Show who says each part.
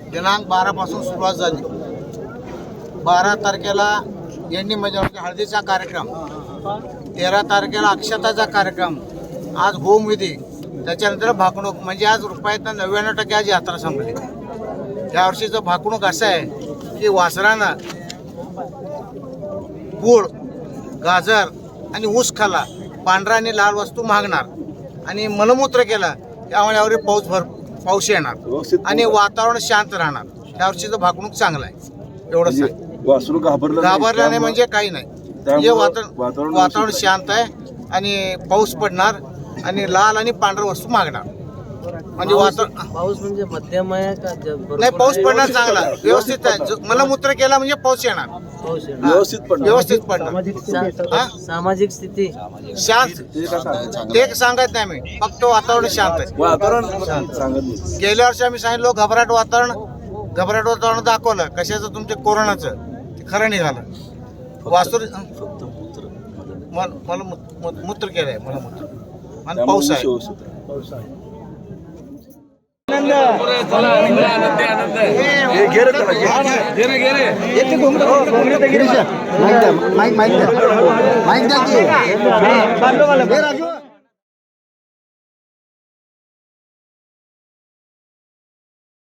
Speaker 1: दिनांक 12 पासून सुरुवात झाली. 12 तारखेला यांनी म्हणजे हळदीचा कार्यक्रम, 13 तारखेला अक्षताचा कार्यक्रम, आज होमविधी, त्याच्यानंतर भाकणूक. म्हणजे आज रुपयातनं 99% आज यात्रा संपली. यावर्षीचं भाकणूक असं आहे की वासरानं गूळ, गाजर आणि ऊस खाल्ला, पांढरा आणि लाल वस्तू मागणार आणि मलमूत्र केला, त्यामुळे यावर पाऊस येणार आणि वातावरण शांत राहणार. यावर्षीचं भाकणूक चांगलं आहे. एवढं सांग.
Speaker 2: वासरू घाबरलं
Speaker 1: नाही म्हणजे काही नाही. म्हणजे वातावरण शांत आहे आणि पाऊस पडणार आणि लाल आणि पांढरा वस्तू मागणार. म्हणजे
Speaker 3: पाऊस म्हणजे मध्यम आहे का?
Speaker 1: नाही, पाऊस पडणार चांगला, व्यवस्थित आहे. मलमूत्र केला म्हणजे पाऊस येणार, व्यवस्थित पडणार.
Speaker 3: सामाजिक स्थिती
Speaker 1: शांत ते सांगत नाही मी, फक्त वातावरण शांत आहे. गेल्या वर्षी आम्ही सांगितलं घबराट वातावरण दाखवलं. कशाचं? तुमच्या कोरोनाचं. ते खरं निघालं. वास्तू मला मूत्र केलंय, मला मूत्र आणि पाऊस आहे.
Speaker 4: माईक द्या